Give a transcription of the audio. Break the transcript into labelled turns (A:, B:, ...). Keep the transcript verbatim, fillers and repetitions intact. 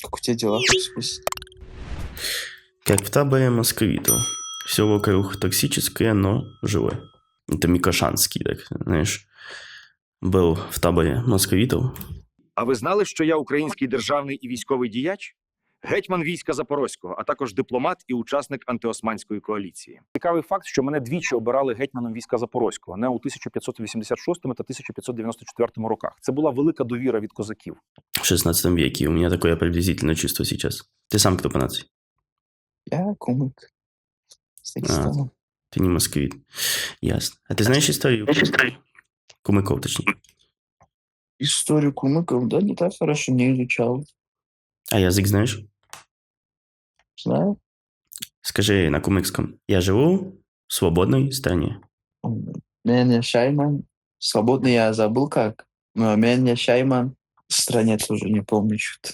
A: Как у тебя дела, хочу спросить?
B: Как в таборе московитов. Все вокруг токсическое, но живое. Это Микошанский, так, знаешь, был в таборе московитов.
C: А ви знали, що я український державний і військовий діяч? Гетьман війська Запорозького, а також дипломат і учасник антиосманської коаліції.
D: Цікавий факт, що мене двічі обирали гетьманом війська Запорозького, не у тисяча п'ятсот вісімдесят шостому та тисяча п'ятсот дев'яносто четвертому роках. Це була велика довіра від козаків.
B: В шестнадцатом веке. У меня такое приблизительное чувство сейчас. Ты сам кто по нации?
A: Я кумык. С Дагестана.
B: Ты не московит. Ясно. А ты знаешь историю? Кумыков, точнее.
A: Историю кумыков, да, не так хорошо не изучал.
B: А язык знаешь?
A: Знаю.
B: Скажи на кумыкском. Я живу в свободной стране.
A: Меня Шайман. Свободный я забыл как. Но меня Шайман. В стране тоже не помню что-то.